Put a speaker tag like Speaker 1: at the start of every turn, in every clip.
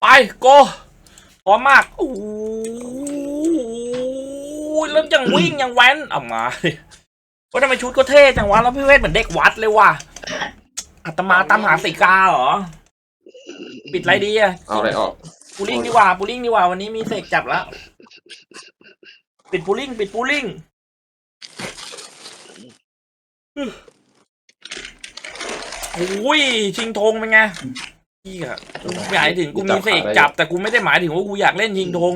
Speaker 1: ไปโกพร้อมมากโอ้ยแล้วยังวิ่งยังแว้นเอามาว่าทำไมชุดก็เท่จังวะแล้วพี่เวทเหมือนเด็กวัดเลยว่ะอาตมาตามหาสีกาเหรอปิดไรดีอะ
Speaker 2: เอาอะไรออก
Speaker 1: ปูลิ่งดีกว่าปูลิ่งดีกว่าวันนี้มีเสกจับแล้วปิดปูลิ่งปิดปูลิ่งโอ้ยชิงธงเป็นไงพี่อะกูหมายถึงกูมีเสกจับแต่กูไม่ได้หมายถึงว่ากูอยากเล่นชิงธง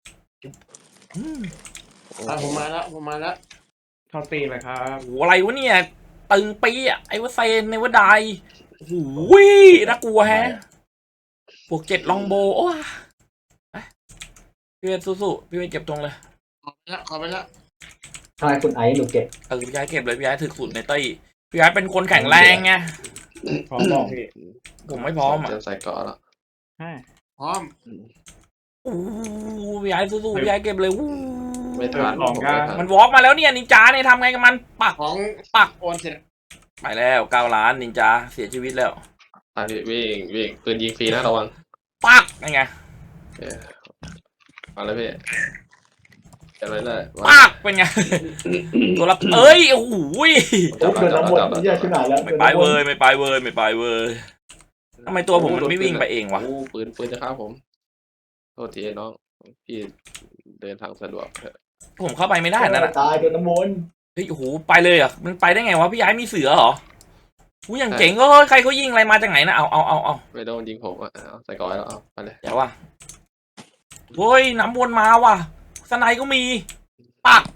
Speaker 3: ผมมาแล้วเข้าตีเลยครับ
Speaker 1: โหอะไรวะเนี่ยตึงปีอะไอ้วะเซนในวะไดโอ้โหน่ากลัวแฮะพวก7ลองโบโอ้ยพี่เวทสู้ๆพี่เวทเก็บตรงเลย
Speaker 3: ขอไปละ
Speaker 4: ทำไมคุณไอซ์หนูเก็บ
Speaker 1: พี่ย้ายเก็บเลยพี่ย้ายถึกสุดในเต้ยพี่ย้ายเป็นคนแข็งแรงไง
Speaker 3: พร้อมบอกพี่
Speaker 1: ผมไม่พร้อมอ่ะ
Speaker 2: จะใส่เกาะแล้ว
Speaker 3: พร้อม
Speaker 1: อู้พี่ย้ายสู้ๆพี่ย้ายเก็บเลยอู้
Speaker 2: ไม่ทันผมไม่ทัน
Speaker 1: มันวอล์กมาแล้วเนี่ยนินจาเนี่ยทำไงกับมันปัก
Speaker 3: ของ
Speaker 1: ปัก
Speaker 3: โอนเสร็จ
Speaker 1: ไปแล้ว9 ล้านนินจาเสียชีวิตแล้ว
Speaker 2: อ่ะพี่วิ่งปืนยิงฟรีนะระวัง
Speaker 1: ปักยังไง
Speaker 2: มาแล้วพี่จะเลยเลย
Speaker 1: ปักเป็นไงตัวละเอ้ยโอ้โห
Speaker 4: โอ้เกินน้ำหมดไม่แย่ขึ้นหนาแล้ว
Speaker 1: ไม่ไปเว้ยไม่ไปเว้ยไม่ไปเว้ยทำไมตัวผมมันไม่วิ่งไปเองวะ
Speaker 2: โอ้ปืนจะฆ่าผมโทษทีน้องพี่เดินทางสะดวก
Speaker 1: ผมเข้าไปไม่ได้นั่นแหละ
Speaker 4: ตายโดนน้ำมนต์
Speaker 1: เฮ้ยโอ้โหไปเลยเหรอ่ะมันไปได้ไงวะพี่ย้ายมีเสือเหรออู้อย่างเจ๋งก็ใครเขายิงอะไรมาจากไหนนะเอา
Speaker 2: ไม่โดนยิงผมอ่ะเอาใส่เกาะแล้วเอาไปเลย
Speaker 1: เดี๋ยวว่ะเฮ้ยน้ำวนมาว่ะสไนก็มีปัก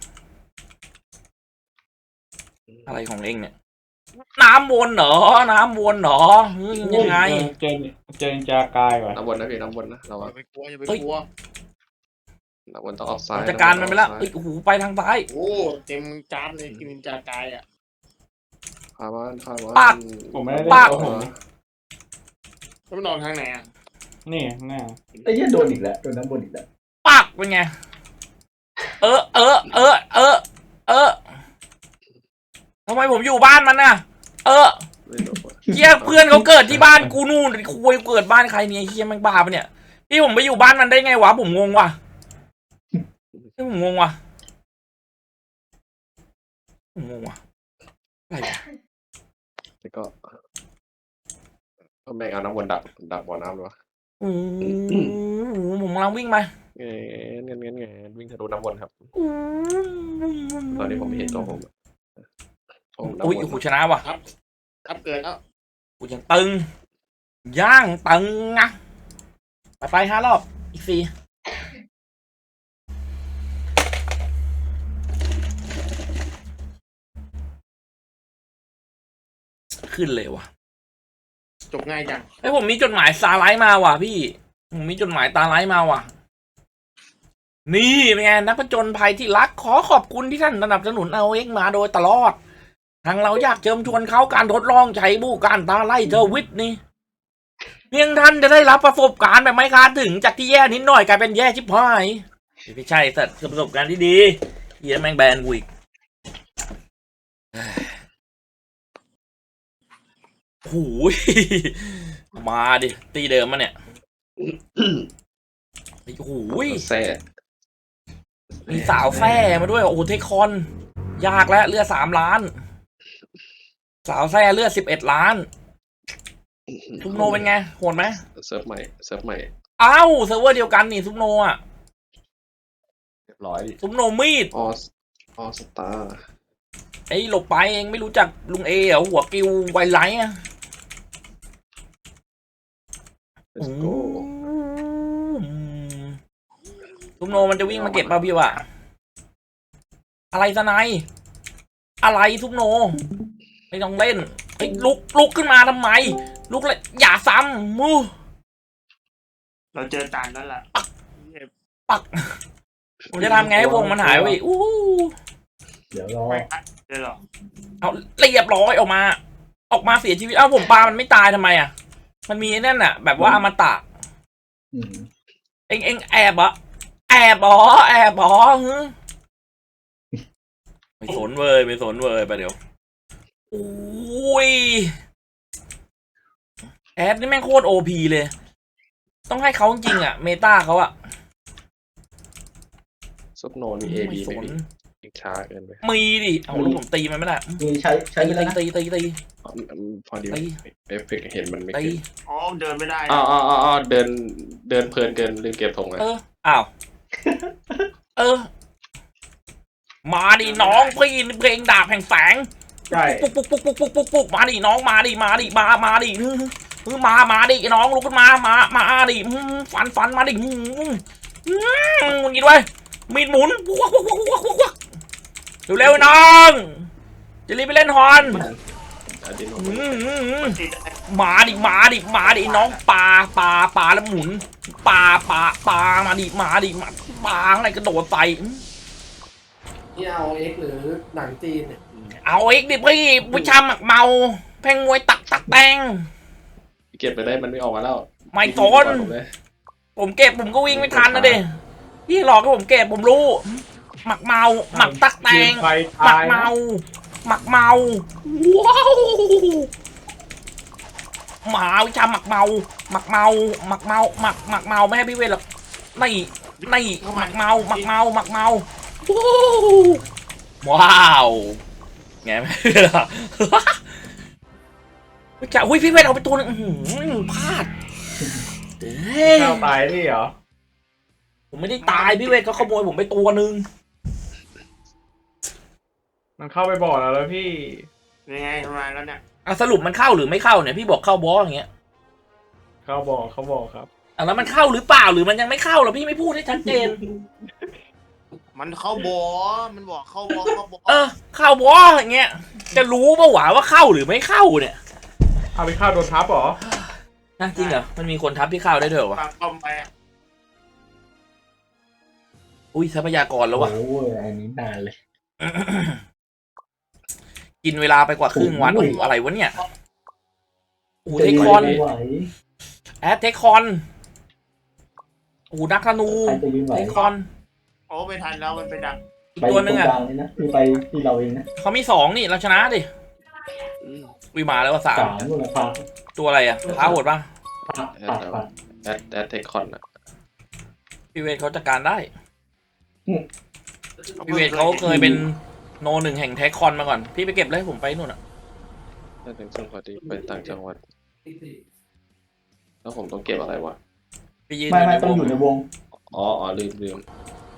Speaker 1: อะไรของเองเนี่ยน้ำวนเหรอน้ำวนเหรอเฮ้ยยังไง
Speaker 3: เจอจากายว่ะ
Speaker 2: น้ำบนนะพี่น้ำบนนะระวัง
Speaker 3: อย่าไปกลัวอย่าไป
Speaker 1: เฮ้ย
Speaker 3: กลัว
Speaker 2: น้ำบนต้องออกซ้าย
Speaker 1: จัดการมันไปแล้วเอ้ยโอ้โหไปทางซ้าย
Speaker 3: โอ้เต็มจานเลยกินจากายอ่ะ
Speaker 2: พามัน
Speaker 1: ปัก
Speaker 3: ผมไม่ได้
Speaker 1: ปัก
Speaker 3: แล้วมันนอนทางไหนอ่ะนี่หน้า
Speaker 4: ไอ้เหี้ยโดนอีกแล้วโดนน้ำมนต์อีกแล้ว
Speaker 1: ปักเป็นไงเออทำไมผมอยู่บ้านมันน่ะเฮียเพื่อนเขาเกิดที่บ้านกูนู่นคุยเกิดบ้านใครเนี่ยเฮียแม่งบ้าปะเนี่ยพี่ผมไปอยู่บ้านมันได้ไงวะผมงงว่ะผมงงว่ะอะไรวะ
Speaker 2: แล้วก็แม่งเอาน้ำวนดักบ่อน้ำเลยวะ
Speaker 1: โอ้โหผมกำลังวิ่งไป
Speaker 2: เงี้ยวิ่งทะลุน้ำวนครับตอนนี้ผมไม่เห็นตัวผม
Speaker 1: อุ้ยกูชนะว่ะ
Speaker 3: ครับเกิดแล้ว
Speaker 1: กูยังตึงย่างตึงนะไป5 รอบอีก4ขึ้นเลยว่ะ
Speaker 3: จบง่ายจัง
Speaker 1: เฮ้ยผมมีจดหมายซาไลท์มาว่ะพี่ผมมีจดหมายตาไลท์มาว่ะนี่เป็นไงนักผจญภัยที่รักขอขอบคุณที่ท่านสนับสนุนเอาเอ็กมาโดยตลอดทางเราอยากเชิญชวนเขาการทดลองใช้บูการตาไล่เทอร์วิทนี่เพียงท่านจะได้รับประสบการณ์แบบไม่คาดถึงจากที่แย่นิดหน่อยกลายเป็นแย่ชิบหายไม่ใช่สัตว์ประสบการณ์ที่ดีเฮียแม่งแบนกูอีกโอ้ยมาดิตีเดิมมาเนี่ยโอ้โห
Speaker 2: แซ่
Speaker 1: มีสาวแซ่มาด้วยโอ้โหเทคคอนยากแล้วเลือด3 ล้านสาวแซ่เลือด11 ล้านซุปโนเป็นไงโหดไหม
Speaker 2: เซิร์ฟใหม่
Speaker 1: อ้าวเซิร์ฟเวอร์เดียวกันนี่ซุปโนอ่ะ
Speaker 2: เรียบร้อย
Speaker 1: ซุปโนมีด
Speaker 2: ออสตาร์
Speaker 1: ไอ้หลบไปเองไม่รู้จักลุงเอเหรอหัวกิวไวไลท์อ่ะ
Speaker 2: let's go
Speaker 1: ซุปโนมันจะวิ่งมาเก็บป่ะพี่วะอะไรสไนอะไรซุปโนไม่ต้องเล่นไอ้ลุกขึ้นมาทำไมลุกเลยอย่าซ้ำมู
Speaker 3: เราเจอจานแล้วล่ะ
Speaker 1: ปักผมจะทำไงให้วงมันหายไปอู้
Speaker 4: เดี๋ยวรอ
Speaker 3: ไม่เจอหรอ
Speaker 1: เอาเรียบร้อยออกมาเสียชีวิตเอ้าผมปามันไม่ตายทำไมอ่ะมันมีนั่นน่ะแบบว่าอมตะ
Speaker 4: อืม
Speaker 1: เอ็งแอบเหรอแอบเหรอฮึไม่สนเว้ยไปเดี๋ยวอุ้ยแอดนี่แม่งโคตรโอพีเลยต้องให้เขาจริงๆอ่ะเมตาเขาอ่ะ
Speaker 2: ซุปโนมีเอ
Speaker 1: ไม่
Speaker 2: บี
Speaker 1: ส
Speaker 2: ไม่
Speaker 1: น
Speaker 2: มีอีกช้าเกินไป
Speaker 1: มีดิเอาแล้วผมตีมันไม่ได้
Speaker 4: มีใช้ไปแล้วนะ
Speaker 1: ตี
Speaker 2: พอดี
Speaker 1: ตี
Speaker 2: เอฟเฟกต์เห็นมันไม่
Speaker 1: ตี
Speaker 2: ขึ้น
Speaker 3: อ๋อเดินไม่ได้
Speaker 2: อ๋อเดินเพลินเกินลืมเก็บธงเลย
Speaker 1: อ้าวมาดิน้องพี่เพลงดาบแห่งแสง
Speaker 4: ใช่
Speaker 1: ปุ๊กมาดิน้องมาดิมาดิมาดิมาดิน้องลุกขึ้นมาดิฟันมาดิมึงกินไว้มีดหมุนเร็วๆน้องจะรีบไปเล่นฮอน
Speaker 2: อันนี้
Speaker 3: ติด
Speaker 1: มาดิน้องปลาแล้วหมุนปลามาดิปลาอะไรกระโดดใส่
Speaker 5: นี่เอาเอ็กหรือหนังจีนเนี่ย
Speaker 1: เอาอีกดิพี่วิชาหมักเมาแพงมวยตักแตง
Speaker 2: เก็บไปได้มันไม่ออกมาแล้ว
Speaker 1: ไม่สนผมเก็บผมก็วิ่งไม่ทันนะดิพี่หลอกให้ผมเก็บผมรู้หมักเมาหมักตักแตงหมักเมาว้าวหมาวิชาหมักเมาไม่ให้พี่เวทหรอกนี่หมักเมาว้าวไงไม่ล่ะจะอุ้ยพี่เวทเอาไปตัวนึงพลาดเฮ้ย
Speaker 6: ข้าวตายนี่เหรอ
Speaker 1: ผมไม่ได้ตายพี่เวทเขาขโมยผมไปตัวนึง
Speaker 6: มันเข้าไปบ่อแล้วพี่
Speaker 3: ยังไงทำไมแล้วเนี่ย
Speaker 1: สรุปมันเข้าหรือไม่เข้าเนี่ยพี่บอกเข้าบอสอย่างเงี้ย
Speaker 6: เข้าบ่อครับ
Speaker 1: แล้วมันเข้าหรือเปล่าหรือมันยังไม่เข้าหรอพี่ไม่พูดให้ชัดเจน
Speaker 3: มันเข้าบ่อมันบอกเข้าบ่อ
Speaker 1: เข้าบอสอย่างเงี้ยจะรู้ป่าวว่าเข้าหรือไม่เข้าเนี่ย
Speaker 6: เอาไปข้าวโดนทับเหรอ
Speaker 1: นะจริงเหรอมันมีคนทับที่เข้าได้ด้วยเหรอวะ
Speaker 3: ปากคอมไป
Speaker 1: อุ้ยทรัพยากรแล้ววะ
Speaker 4: โอ้ยอันนี้นานเลย
Speaker 1: กินเวลาไปกว่าครึ่งวัน
Speaker 4: โอ้
Speaker 1: โอ้
Speaker 4: ย
Speaker 1: โหอะไรวะเนี่ยโอ้โห
Speaker 4: จะ
Speaker 1: เทค
Speaker 4: ยื
Speaker 1: คอน
Speaker 4: ไม่ไหว
Speaker 1: แอดเทคคอนโอ้โหนักธนู
Speaker 4: ใครจะยืนไหว
Speaker 1: เทคคอน
Speaker 3: โอ้ไม่ทันแล้วมันไปดัก
Speaker 1: อีก
Speaker 4: ไป
Speaker 1: ตัวนึง
Speaker 4: ตร
Speaker 1: อ่ะ
Speaker 4: กลางเลยนะคือไปที่เราเองนะ
Speaker 1: เขามี2นี่เราชนะดิวิมาแล้วว่า3
Speaker 4: สามนู่นนะพา
Speaker 1: ตัวอะไรอ่ะท้าโหดป่ะ
Speaker 4: พา
Speaker 2: แอดเทคคอนอะ
Speaker 1: พี่เวทเขาจัดการได้พี่เวทเขาเคยเป็นโนหนึ่งแห่งเทคคอนมาก่อนพี่ไปเก็บเลยผมไปนู่นอ่ะ
Speaker 2: ถ้าเป็นช่วงพอดีไปต่างจังหวัดแล้วผมต้องเก็บอะไรวะ
Speaker 1: ไปยืน
Speaker 4: ไม่ต้องอยู่ในวง
Speaker 2: อ๋อลืม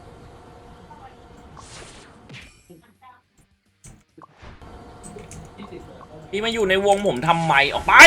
Speaker 1: พี่มาอยู่ในวงผมทำไมออกไป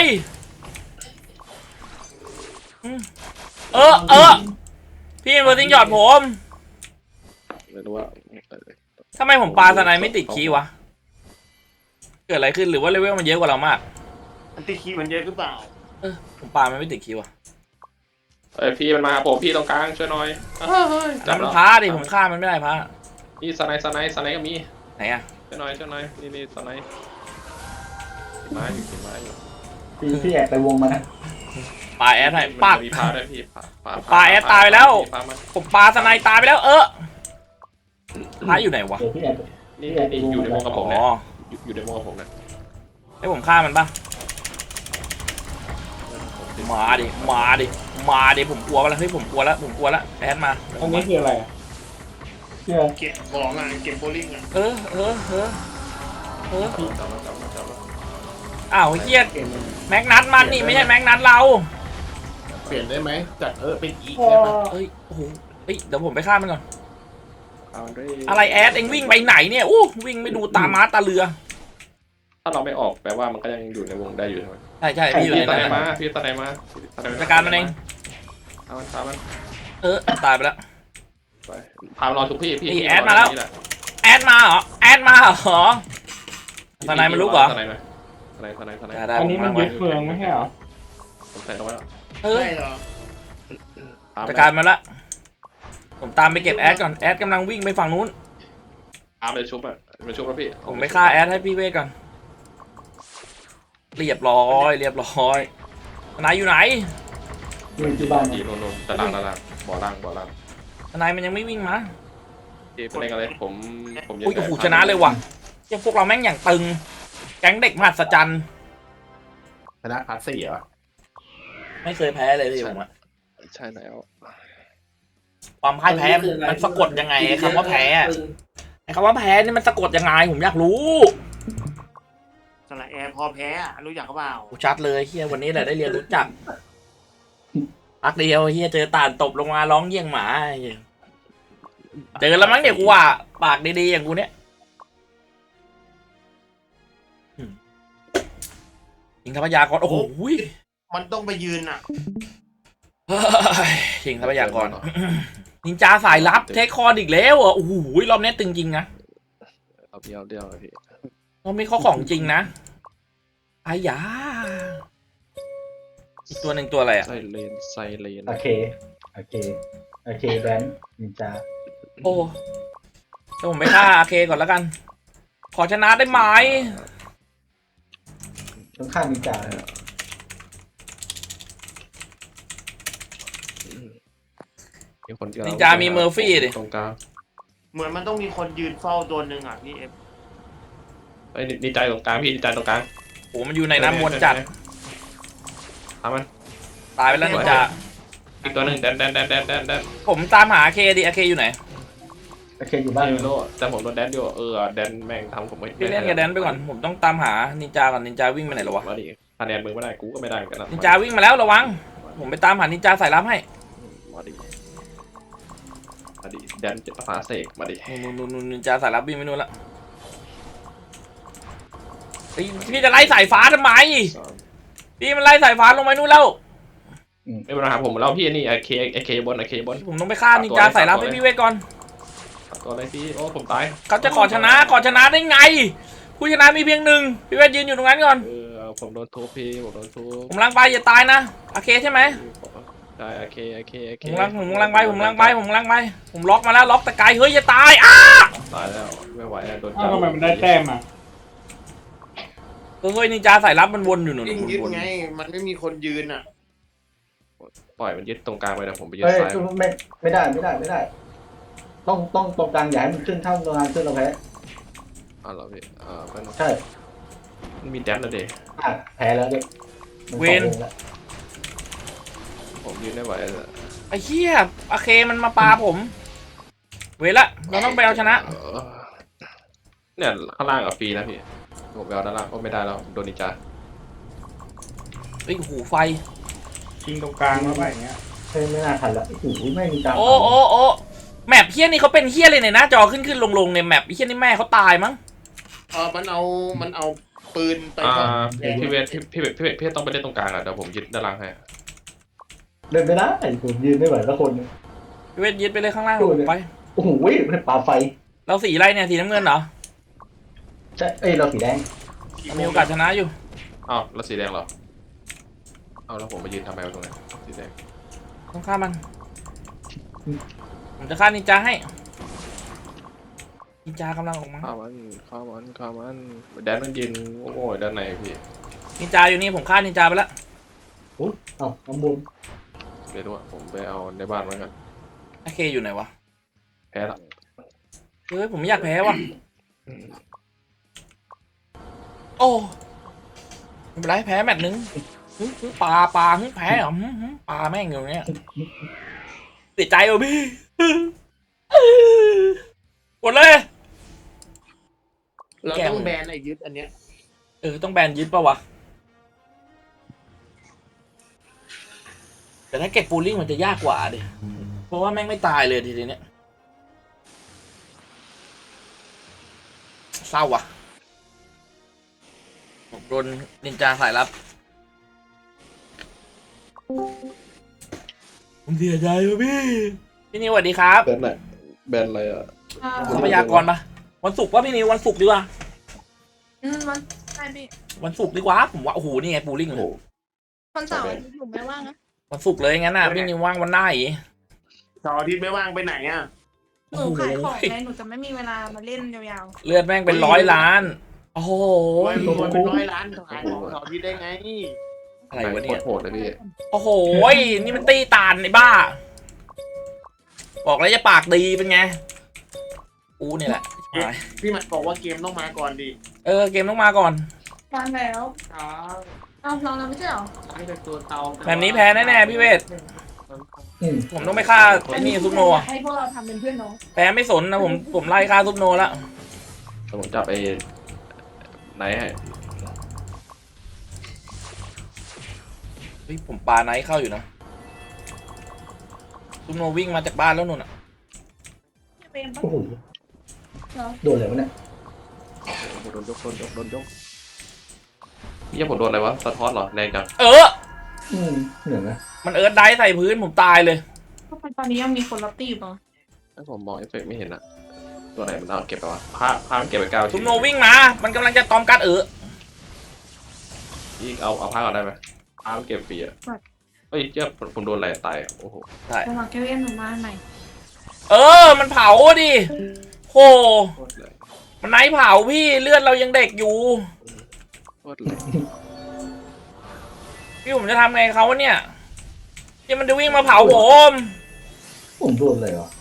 Speaker 1: พี่เบอร์ติ้งหยอดผม
Speaker 2: ไม่รู้ว่า
Speaker 1: ทำไมผมปาสไนไม่ติดคีย์วะเกิดอะไรขึ้นหรือว่าเลเวลมันเยอะกว่าเรามาก
Speaker 3: อันติคีมันเยอะหรือเปล่า
Speaker 1: ผมปามันไม่ติดคีย์วะ
Speaker 2: พี่มันมาผมพี่ตรงกลางช่วยหน่อย
Speaker 1: แล้วมันพาดิผมฆ่ามันไม่ได้พา
Speaker 2: นี่สไนก็มี
Speaker 1: ไหนอะ
Speaker 2: ช่วยหน่อยนี่สไนไม้อยู่
Speaker 4: พี่แอบไปวงมานะ
Speaker 1: ปาแอดให้ปาด
Speaker 2: มีพาด้วยพี่พา
Speaker 1: ปาแอดตายไปแล้ว
Speaker 2: พามา
Speaker 1: ผมปาสไนตายไปแล้วพาอยู่ไหนวะ
Speaker 4: เดี๋ยวพี่แอบ
Speaker 2: นี่อยู่ในวงกับผม
Speaker 1: อ๋
Speaker 2: เนี่ย
Speaker 1: อ
Speaker 2: อยู่ในวงกับผมเนี่ย
Speaker 1: ให้ผมฆ่ามันปะมาดิผมกลัวแล้วเฮ้ยผมกลัวแล้วแอดมา
Speaker 6: อันนี้คืออะไร
Speaker 4: เชื่อ
Speaker 3: เก็บของอ่ะเก็บโบลิ่งอ่ะ
Speaker 1: เออ
Speaker 2: จับแล้ว
Speaker 1: อ้าวเฮียแม็กนัทมันนี่ไม่ใช่แม็กนัทเรา
Speaker 3: เปลี่ยนได้ไหมจากเป็นอีก
Speaker 4: พ่อ
Speaker 3: ได้ปะ
Speaker 1: เอ้ยโอ้โหเฮ้ยเดี๋ยวผมไปฆ่ามันก่อน
Speaker 2: เอาด้วย
Speaker 1: อะไรแอดเอ็งวิ่งไปไหนเนี่ยอู้วิ่งไม่ดูตาม้าตาเรือ
Speaker 2: ถ้าเราไม่ออกแปลว่ามันก็ยังอยู่ในวงได้อยู่ใช่ไหม
Speaker 1: ใช่พี่อยู่ใน
Speaker 2: ตา
Speaker 1: นั้น
Speaker 2: ไหน
Speaker 1: นะ
Speaker 2: มาพี่ตาไหนมา
Speaker 1: จัดการมันเอง
Speaker 2: เอามันพามัน
Speaker 1: ตายไปแล้ว
Speaker 2: ไปพามารอทุกพี่
Speaker 1: นี่แอดมาแล้ว แอดมาเหรอทนายมันลุกเหรอ
Speaker 2: ทนาย
Speaker 1: ได้
Speaker 6: อันนี้มันยึดเมืองไม่ใช่เหรอ
Speaker 2: ผมใส่ตรงนั้น
Speaker 3: ใช่เหรอ
Speaker 1: จัดการมันละผมตามไปเก็บแอดก่อนแอดกำลังวิ่งไปฝั่งนู้น
Speaker 2: ตามไปชุบอ่ะไปชุบแล้วพี่
Speaker 1: ผมไปฆ่าแอดให้พี่เวทก่อนเรียบร้อยทนายอยู่ไหน
Speaker 4: อยู่ที่บ้าน
Speaker 2: ดีนนตารางบ่อล่าง
Speaker 1: ทนายมันยังไม่วิ่งมา
Speaker 2: พี่เป็นอะไรผม
Speaker 1: อุ้ยโอ้โหชนะเลยว่ะเจ้าพวกเราแม่งอย่างตึงแก๊งเด็กมหัศจรรย์
Speaker 3: ชนะพาร์ท4เหรอ
Speaker 1: ไม่เคยแพ้เลยพี่ผมอะ
Speaker 2: ใช่แล้ว
Speaker 1: ความพ่ายแพ้มันสะกดยังไงไอ้คำว่าแพ้อะไอ้คำว่าแพ้นี่มันสะกดยังไงผมอยากรู้
Speaker 3: สระแอร์พอแพ้อะรู้จักเขาเปล่า
Speaker 1: กูชัดเลยเฮียวันนี้แหละได้เรียนรู้จักพักเดียวเฮียเจอต่านตบลงมาร้องเยี่ยงหมาเหี้ยเจอแล้วมั้งเนี่ยกูว่าปากดีๆอย่างกูเนี้ยยิงทรัพยากรโอ้โห
Speaker 3: มันต้องไปยืนอ่ะ
Speaker 1: เฮ้ยยิงทรัพยากรนินจาสายลับเทคคอนอีกแล้วเหรอโอ้โหรอบนี้ตึงจริงนะ
Speaker 2: เอาเดียวพี่
Speaker 1: รอบนี้เขาของจริงนะอายาอีกตัวหนึ่งตัวอะไรอ่ะ
Speaker 2: ไซเลน
Speaker 4: โอเคแบนนินจา
Speaker 1: โอ้เดี๋ยวผมไปฆ่าอาเคก่อนแล้วกัน ขอชนะได้ไหม
Speaker 4: ต้องฆ่านินจา
Speaker 2: มีคนเดียว
Speaker 1: นินจามีเมอร์ฟี่ดิ
Speaker 2: ตรงกลาง
Speaker 3: เหมือนมันต้องมีคนยืนเฝ้าตัวหนึ่งอ่ะพี่เอฟ
Speaker 2: ไอ้นินจาตรงกลางพี่นินจาตรงกลาง
Speaker 1: โอ้มันอยู่ในน้ำมนต์จัด
Speaker 2: ทำมัน
Speaker 1: ตายไปแล้วนินจา
Speaker 2: อีกตัวหนึ่งแดน
Speaker 1: ผมตามหาอาเคดิอาเคอยู่ไหน
Speaker 4: โอเคอยู่บ้าน
Speaker 2: ไม่รู้แต่ผมโดนแดนอยู่แดนแม่งทำผมไม่
Speaker 1: พี่เล่นกับแดนไปก่อน ผมต้องตามหานินจาก่อนนินจาวิ่งไปไหนแล้ววะ
Speaker 2: มาดิคะแนนมึงไม่ได้กูก็ไม่ได้เหมือนกันนะ
Speaker 1: นินจาวิ่งมาแล้วระวัง ผมไปตามหานินจาสายลับให้
Speaker 2: มาดิแดนจะฟ้าเสกมาดิ
Speaker 1: นู่นนินจาสายลับวิ่งไปนู่นละเฮ้ยพี่จะไล่สายฟ้าทำไม พี่มันไล่สายฟ้าลงไปนู่นแล้ว
Speaker 2: ไม่เป็นไรครับผมแล้วพี่นี่ไอเคบน
Speaker 1: ผมต้องไปฆ่านินจาสายลับให้พี่เวทก่อน
Speaker 2: ตัวอะไรพี่โอ้ผมตาย
Speaker 1: เขาจะขอชนะได้ไง ผู้ชนะมีเพียงหนึ่งพี่เวทยืนอยู่ตรงนั้นก่อน
Speaker 2: ผมโดนทุบพี่ผมโดนทุบ
Speaker 1: ผมลังไปอย่าตายนะโอเคใช่ไหม
Speaker 2: ได้โอเค
Speaker 1: ผมลังไปผมล็อกมาแล้วล็อกตะไกเฮ้ยอย่าตายอ้า
Speaker 2: ตายแล้วไม่ไหวแล้วโดน
Speaker 6: อ้าวทำไมมันได้แต้มอ่ะ
Speaker 1: เฮ้ยนินจาสายลับมันวนอยู่หนุน
Speaker 3: ยิ่งยึดไง มันไม่มีคนยืนอ่ะ
Speaker 2: ปล่อยมันยึดตรงกลางไปนะผมไปยึด
Speaker 4: เอ้ย
Speaker 2: ซ้าย
Speaker 4: ไม่ได้ ต้องตรงกลางอย่าให้มันขึ้นเท่าตรงกลางขึ้นเราแพ้
Speaker 2: อ๋อเหรอพี่ไม่ต้อง
Speaker 4: ใช่
Speaker 2: มันมีแดนนะเด็
Speaker 4: แพ้แล้วเด็ก
Speaker 2: ผมยืนได้ไหว
Speaker 1: ไอ้เหี้ยโอเคมันมาปาผม เวละเราต้องไปเอาชนะ
Speaker 2: เนี่ยข้างล่างกับฟรีนะพี่ผมไปเอาด้านล่างก็ไม่ได้แล้วโดนนินจา
Speaker 1: ไอ้หูไฟ
Speaker 6: ชิงตรงกลางมาไปอย่างเงี้ย
Speaker 4: ไม่น่าทันละโอ้โหไม่มีจา
Speaker 1: โอ้แมปเฮี้ยนี่เขาเป็นเฮี้ยเลยในหน้าจอขึ้นลงในแมปเฮี้ยนี่แม่เขาตายมั้ง
Speaker 3: มันเอาปืนไป
Speaker 2: พี่เวทพี่ต้องไปเล่นตรงกลางอ่ะเดี๋ยวผมยึดด้านล่างให้
Speaker 4: เดินไม่ได้ผมยืนไม่ไหวสักคน
Speaker 1: พี่เวทยึดไปเลยข้างล่างไป
Speaker 4: โอ้โหปาไฟ
Speaker 1: เราสีอะไรเนี่ยสีน้ำเงินเหรอ
Speaker 4: ใช่เราสีแดง
Speaker 1: มีโอกาสชนะอยู่
Speaker 2: อ้าวแล้วสีแดงเหรอเอาแล้วผมมายืนทำไมตรงนั้นสีแดง
Speaker 1: ต้องฆ่ามันผมจะฆ่านินจาให้นินจากำลังออกมา
Speaker 2: ข้ามันแดนมันยืนโอ้ยด้านในพี่
Speaker 1: นินจาอยู่นี่ผมฆ่านินจาไปแล้ว
Speaker 4: น้ำบน
Speaker 2: ไม่รู้ผมไปเอาในบ้านไว้กัน
Speaker 1: โอเคอยู่ไหนวะ
Speaker 2: แพ้ละ
Speaker 1: เฮ้ยผมไม่อยากแพ้ว่ะโอ้ไม่เป็นไรแพ้แมตช์นึงปลาแพ้เหรอปลาแม่งอยู่เนี่ยเสียใจว่ะพี่กดเลย
Speaker 3: เราต้องแบนไอ้ยึดอันเนี้ย
Speaker 1: ต้องแบนยึดป่าวะแต่ถ้าเก็บปูลิ่งมันจะยากกว่าดิเพราะว่าแม่งไม่ตายเลยทีเนี้ยเศร้าว่ะผมโดนนินจาสายลับผมเสียใจว่ะพี่นิวสวัสดีครับ
Speaker 2: แบนไหนแบนอะไรอ่ะ
Speaker 1: ทรัพยากรปะวันศุกร์ว่าพี่นิววันศุกร์ดีกว่า
Speaker 7: วันใช่พี่
Speaker 1: วันศุกร์ดีกว่าผมว่าโอ้โหนี่ไงปูลิ่ง
Speaker 2: โอ้โห
Speaker 7: วันเสาร์อยู่ไม่ว่างนะ
Speaker 1: วันศุกร์เลยงั้นน่ะพี่นิวว่างวันไหน
Speaker 3: เสาร์อาทิตย์ไม่ว่างไปไหนอ่ะ
Speaker 7: หนูขายของไงหนูจะไม่มีเวลามาเล่นยาว
Speaker 1: เลือดแม่งเป็น100 ล้าน โอ้โห
Speaker 3: รวยเป็น100 ล้านขายของเสาร์อาทิตย์ได้ไง
Speaker 1: อะไรวะเนี่ย
Speaker 2: โหดเลยพี่
Speaker 1: โอ้โหนี่มันตีตานไอ้บ้า บอกแล้วจะปากดีเป็นไงกูเนี่ยแหละ
Speaker 3: พี่มันบอกว่าเกมต้องมาก่อนดิ
Speaker 1: เกมต้องมาก่อน
Speaker 7: ๆวางแล้วเอาลองแล้วไม่ใช่หรอ
Speaker 3: ตั้งแต่ตัวเตา
Speaker 1: แบบนี้แพ้แน่ๆพี่เวทผมต้องไปฆ่าไอ้นี่ซุปโนอะ
Speaker 7: ให้พวกเราทำเป็นเพื่อนน้อง
Speaker 1: แพ้ไม่สนนะผมไล่ฆ่าซุปโนแล้ว
Speaker 2: แต่ผมจับไอ้ไหนให้
Speaker 1: เฮ้ยผมปาไนท์เข้าอยู่นะซุปโนวิ่งมาจากบ้านแล้วนุ่นอะ
Speaker 7: เป็นปะ
Speaker 4: โอ้โห
Speaker 7: เหรอ
Speaker 4: โดนอะไรวะเนี่ย
Speaker 2: โดนยกเยี่ยผมโดนอะไรวะสะท้อนเหรอแรงจัง
Speaker 4: เหนื่อยนะ
Speaker 1: มันเอิร์ธไดฟ์ใส่พื้นผมตายเลย
Speaker 7: ทำไมตอนนี้ยังมีคนรับตีอยู่ปะ
Speaker 2: ถ้าผมมองเอฟเฟกต์ไม่เห็นอะตัวไหนมันเอาเก็บไปวะผ้ามันเก็บไป9
Speaker 1: ซุ
Speaker 2: ชิ้
Speaker 1: ป
Speaker 2: น
Speaker 1: โนวิ่งมา มันกำลังจะตอมกัด
Speaker 2: อีกเอาผ้าก่อนได้ไหมผ้ามันเก็บฟรีอะเฮ้ยเจ้าผมโดนอะไรตายอะโอ้โห
Speaker 1: ใช่
Speaker 7: จะมาแก้วเอ็นหนูมาใหม่
Speaker 1: มันเผาดิโห
Speaker 2: โคตรเลย
Speaker 1: มันไนท์เผาพี่เลือดเรายังเด็กอยู่
Speaker 2: โคตรเลย
Speaker 1: พี่ผมจะทำไงเขาวะเนี่ยที่มันจะวิ่งมาเผาผม
Speaker 4: ผมโดนอะไรวะ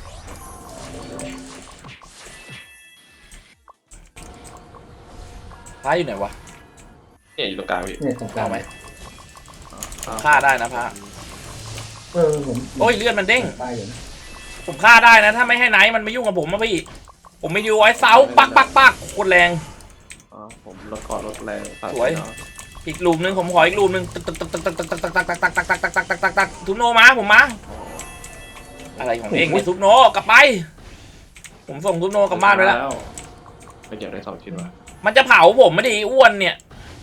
Speaker 1: พระอยู่ไหนวะ
Speaker 2: เนี่ยอยู่ตรงกลางพี่
Speaker 4: เนี่ยตรงกลาง
Speaker 1: เอาไหม ฆ่าได้นะพระ
Speaker 4: ผม
Speaker 1: โอ้ยเลือดมันเด้ง
Speaker 4: ตายอยู่นะ
Speaker 1: ผมฆ่าได้นะถ้าไม่ให้ไนท์มันไม่ยุ่งกับผมนะพี่ผมไม่อยู่ไว้เสาปักโคตรแรง
Speaker 2: ผมลดก่อนลดแรง
Speaker 1: สวย อีกลูมนึงผมขออีกลูมนึงตักซุปโนมาผมมาอะไรของเองเนี่ยซุปโนกลับไปผมส่งซุปโนกลับบ้านไปแล้ว
Speaker 2: ไปเก็บได้2 ชิ้นวะ
Speaker 1: มันจะเผาผมไม่ดีอ้วนเนี่ย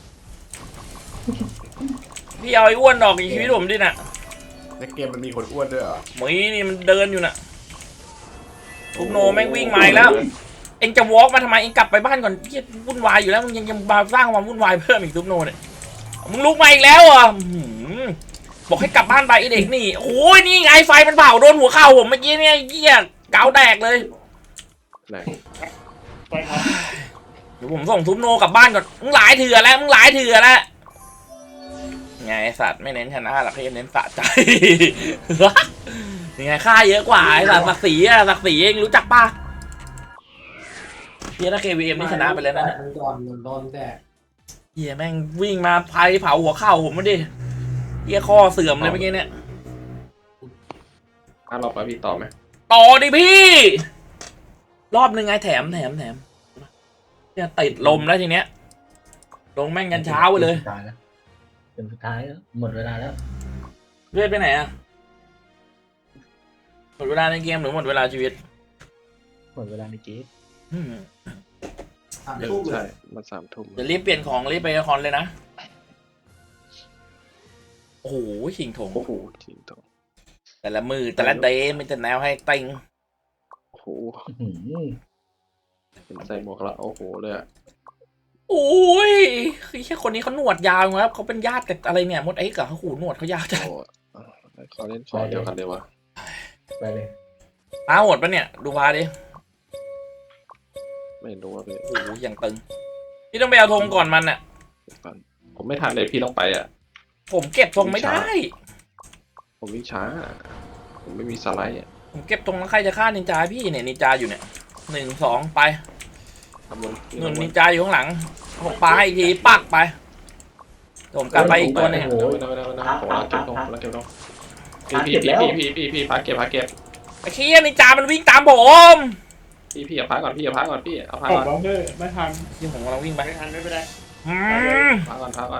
Speaker 1: พี่เอาไอ้อ้วนออกจากชีวิตผมดิน่ะ
Speaker 3: ในเกมมันมีคนอ้วนด้วยเหรอ
Speaker 1: หมีนี่มันเดินอยู่น่ะซุปโนแม่งวิ่งมาอีกแล้วเอ็งจะวอล์กมาทำไมเอ็งกลับไปบ้านก่อนพี่วุ่นวายอยู่แล้วมึงยังมาสร้างความวุ่นวายเพิ่มอีกซุปโนเนี่ยมึงลุกมาอีกแล้วอ่ะบอกให้กลับบ้านไปไอเด็กนี่โอ้ยนี่ไงไฟมันเผาโดนหัวเข่าผมเมื่อกี้เนี่ยเหี้ยเกาแดกเลย
Speaker 2: แรง
Speaker 6: ไปครับ
Speaker 1: เดี๋ยวผมส่งซุปโนกลับบ้านก่อนมึงหลายเถื่อแล้วไงไอ้สัตว์ไม่เน้นชนะหรอกเน้นสะใจ ยังไงค่าเยอะกว่าไอ้สัตว์ศักดิ์ศรีเองรู้จักป่ะเฮียถ้า KVM นี่ชนะไปแล้วนะเนี่ย
Speaker 5: ก่อนโดนแดด
Speaker 1: เฮียแม่งวิ่งมาไฟเผาหัวเข่าผมมาดิเฮียข้อเสื่อมเลยเมื่อกี้เนี่ย
Speaker 2: รอบไปพี่ต่อไหม
Speaker 1: ต่อดิพี่ รอบหนึ่งไงแถมเนี่ยติดลมแล้วทีเนี้ยลงแม่งยันเช้าไปเลย
Speaker 4: ตายแล้วเป็นสุดท้ายแล้วหมดเวลาแล้ว
Speaker 1: เลือดไปไหนอะหมดเวลาในเกมหรือหมดเวลาชีวิต
Speaker 4: หมดเวลาในเกม
Speaker 5: ทุ่มเล
Speaker 2: ใช่
Speaker 5: ย
Speaker 2: มา3 ทุ่ม
Speaker 1: เดี๋ยวรีบเปลี่ยนของรีบไปคอนเลยนะโอ้โหชิงถง
Speaker 2: โอ้โหจริงตัว
Speaker 1: แต่ละมือแต่ละเดย์มันจะแนวให้ติง
Speaker 2: โอ้โห
Speaker 4: อื้อหือ
Speaker 2: ใส่หมวกแล้วโอ้โหเลยอะ
Speaker 1: โอ้ยคือแค่คนนี้เขาหนวดยาวครับเขาเป็นญาติกับอะไรเนี่ยมดไอ้กับเขาหูหนวดเขายาวจัง
Speaker 2: โอ้ขอเล่นคอเดียวกันเลยวะ
Speaker 4: ไปเลย
Speaker 1: ตาโหดปะเนี่ยดูพาดิ
Speaker 2: ไม่รู้ว่าพี่
Speaker 1: โอ้โหอย่างตึงพี่ต้องไปเอาธงก่อนมันน่ะ
Speaker 2: ผมไม่ทันเลยพี่ต้องไปอ่ะ
Speaker 1: ผมเก็บธงไม่ได้
Speaker 2: ผมวิ่งช้า ผมไม่มีสไลด์อ่ะ
Speaker 1: ผมเก็บธงแล้วใครจะฆ่านินจาพี่เนี่ยนินจาอยู่เนี่ย1 2ไป
Speaker 2: ทำบน
Speaker 1: นุ่นนินจาอยู่ข้างหลังผมปาให้อีกทีปักไปผมกลับไปอีกตัวหนึง
Speaker 2: ผมรักเก็บตรงรักเก็บตรงพี่พักเก็บ
Speaker 1: ไอ้เคียนินจามันวิ่งตามผม
Speaker 2: พี่อย่าพักก่อนพี่เอาพัก
Speaker 6: ผม
Speaker 2: ก่อน
Speaker 6: ร้องเถอะไม่ทัน
Speaker 1: ที่ผมกำลังวิ่งไป
Speaker 6: ไม่ทันไม่เป็นไร
Speaker 2: พักก่อน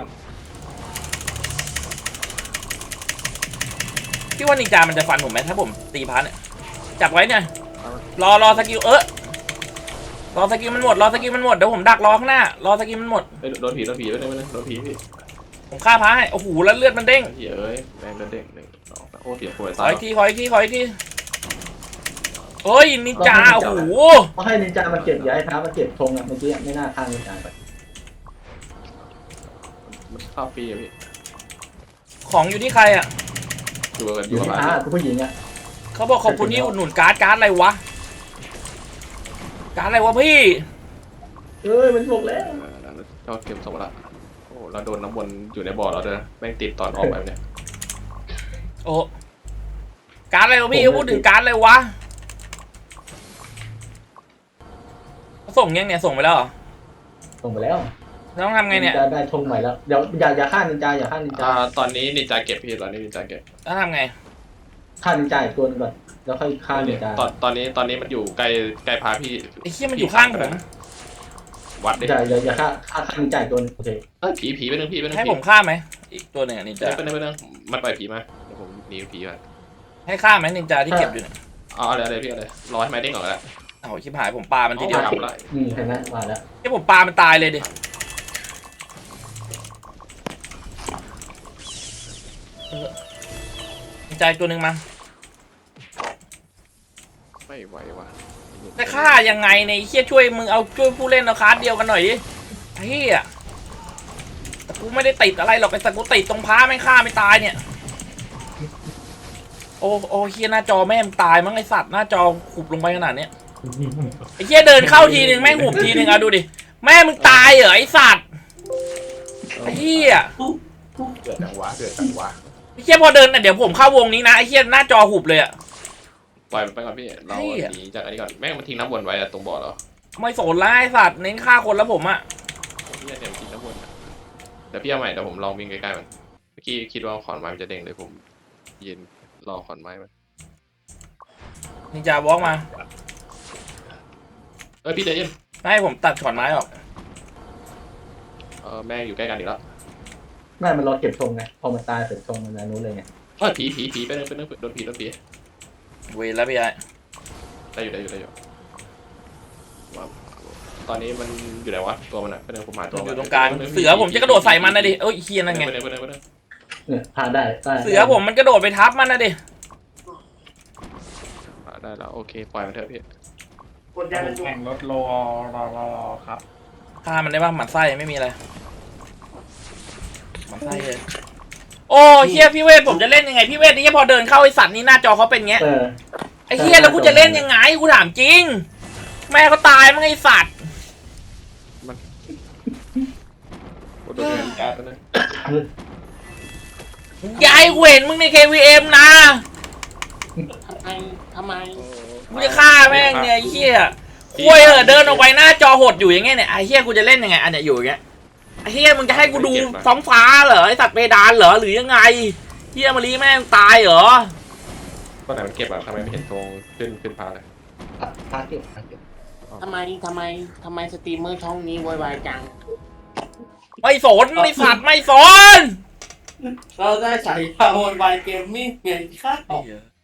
Speaker 1: พี่ว่านินจามันจะฟันผมไหมถ้าผมตีพันเนี่ยจับไว้เนี่ยรอสกิลรอสกิลมันหมดเดี๋ยวผมดักรอข้างหน้ารอสกิลมันหมด
Speaker 2: โดนผีด้วยโดนผีพี่
Speaker 1: ผมฆ่าพระให้โอ้โหแล้วเลือดมันเด้ง
Speaker 2: เฮ้ยแรงเด้ง1 2โอ้เสียป่วย
Speaker 1: ข
Speaker 2: ตา
Speaker 1: อย อีกทีเฮ้ยนินจาโอ้โห
Speaker 4: เพราะให้นินจามันเก็บอย่าให้ท้ามันเก็บธงอ่ะเมื่อกี้ไม่น่าฆ่านินจาไป
Speaker 2: มันเข้าฟรีอ่ะพี่
Speaker 1: ของอยู่ที่ใครอ่ะ
Speaker 2: อยู่
Speaker 4: อยู่
Speaker 2: กับ
Speaker 4: ที่
Speaker 2: ร้าน
Speaker 4: ท้าคือผู้หญิงอ่ะ
Speaker 1: เขาบอกขอบคุณที่อุดหนุนการ์ดอะไรวะการ์ดอะไรวะพี่
Speaker 4: มันบอกแล้ว
Speaker 2: ก็เก็บสมละโอ้เราโดนน้ำวนอยู่ในบ่อเราเด้อแม่งติดตอนออกไปเนี่ย
Speaker 1: โอ้การ์ดอะไรวะพี่พูดถึงการ์ดอะไรวะส่งยังเนี่ยส่งไปแล้วเหรอ
Speaker 4: ส่งไปแล้ว
Speaker 1: ต้องทำไงเนี่ย
Speaker 4: จะได้ธงใหม่แล้วเดี๋ยวอย่าฆ่านินจาอย่าฆ่านินจา
Speaker 2: ตอนนี้นินจาเก็บพี่ตอนนี้นินจาเก็บ
Speaker 1: ต้องทำไง
Speaker 4: ฆ่านินจาอีกตัวหนึงก่อนแล้วค่อยฆ่านินจา
Speaker 2: ตอนนี้มันอยู่ใกล้พาพี่
Speaker 1: ไอ้เหี้ยมันอยู่ข้างผม
Speaker 2: วัดดิ
Speaker 4: อย่าฆ่านินจาอีกตัวหนึงโอเค
Speaker 2: ผีไปนึงพี่ไปนึง
Speaker 1: ให้ผมฆ่าไหมอีกตัวหนึ่งอะนินจา
Speaker 2: ไปนึงมันปล่อยผีมาเดี๋ยวผมหนีผีมา
Speaker 1: ให้ฆ่าไหมนินจาที่เก็บอยู่เนี่ย
Speaker 2: เอาอะไรพี่อะไรรอให้ไม้เด้งก่อนแล้ว
Speaker 1: เอาชิบหายผมปามันทีเดียว
Speaker 2: กลับละ
Speaker 4: นี่เห็นไหมมาแล้ว
Speaker 1: ที่ผมปามันตายเลยดินินจาอีกตัวหนึ่งมา
Speaker 2: ไม่ไหวว่ะ
Speaker 1: จะฆ่ายังไงในเฮียช่วยมึงเอาช่วยผู้เล่นเอาคาร์ดเดียวกันหน่อยดิเฮียแต่กูไม่ได้ติดอะไรหรอกไอ้สัตว์กูติดตรงพ้าไม่ฆ่าไม่ตายเนี่ยโอ้เฮียหน้าจอแม่งตายมั้งไอสัตว์หน้าจอขุบลงไปขนาดเนี้ยไอเฮียเดินเข้าทีนึงแม่งหุบทีนึงเอาดูดิแม่มึงตายเหรอไอสัตว์ไอเฮีย
Speaker 2: เดือดจังวะ
Speaker 1: ไอเฮียพอเดินน่ะเดี๋ยวผมเข้าวงนี้นะไอเฮียหน้าจอหุบเลยอะ
Speaker 2: ปล่อยมันไปก่อนพี่เราหนีจากอันนี้ก่อนแม่งมันทิ้งน้ำวนไว้ตรงบ่อแล้ว
Speaker 1: ไม่สนละไอสัตว์เน้นฆ่าคนแล้วผมอะ
Speaker 2: พี่เนี่ยทิ้งน้ำวนเดี๋ยวพี่เอาใหม่เดี๋ยวผมลองวิ่งใกล้ๆมันเมื่อกี้คิดว่าขอนไม้มันจะเด้งเลยผมยืนรอขอนไม้มัน
Speaker 1: นินจาวอล์กมา
Speaker 2: พี่ใจเย็น
Speaker 1: ไม่ให้ผมตัดขอนไม้ออก
Speaker 2: แม่งอยู่ใกล้กันอีกแล้ว
Speaker 4: ไม่มันรอเก็บธงไงพอมันตายเสร็จธงมันอันนู้นเลยไง
Speaker 2: ผีไปนึงโดนผี
Speaker 1: เวรแล้วพี่ไอ้
Speaker 2: ได้อยู่ตอนนี้มันอยู่ไหนวะตัวมันอะไปนึงผมหาตัว
Speaker 1: อยู่ตรงกลางเสือผมจะกระโดดใส่มันนะดิเอ้ยเฮียนั่นไง
Speaker 2: ไปนึง
Speaker 4: เนี่ยพาได้
Speaker 1: เสือผมมันกระโดดไปทับมันนะดิ
Speaker 2: ได้แล้วโอเคปล่อยมันเถอะพี่
Speaker 5: กดยาเป็นจุ
Speaker 6: แข่งรถรอครับ
Speaker 1: ฆ่ามันได้ป่ะหมันไส้ไม่มีอะไรหมันไส้เลยโอ้เฮียพี่เวทผมจะเล่นยังไงพี่เวทนี่พอเดินเข้าไอสัตว์นี่หน้าจอเขาเป็นเงี้ยไอเฮียแล้วกูจะเล่นยังไงกูถามจริง แม่ก็ตายมั้งไอสัตว์
Speaker 2: โดนแก๊สนะ
Speaker 1: ยายกูเห็นมึงใน KVM นะ
Speaker 5: ทำไม
Speaker 1: กูจะฆ่าแม่งเนี่ยไอ้เฮียคุยเดินออกไปหน้าจอหดอยู่อย่างเงี้ยเนี่ยไอเฮียกูจะเล่นยังไงอันเนี้ยอยู่อย่างเงี้ยไอเฮียมึงจะให้กูดูท้องฟ้าเหรอไอสัตว์เพดานเหรอหรือยังไงเฮียมารีแม่งตายเหรอ
Speaker 2: ตอนไหนมันเก็บอะทำไมไม่เห็นตรงขึ้นพาเลย
Speaker 4: พาเก็บ
Speaker 5: ทำไมสตรีมเมอร์ช่องนี้วายจัง
Speaker 1: ไม่สนไอสัตว์ไม่สน
Speaker 5: เราได้ฉายา วายเกมมิ่งไงครับ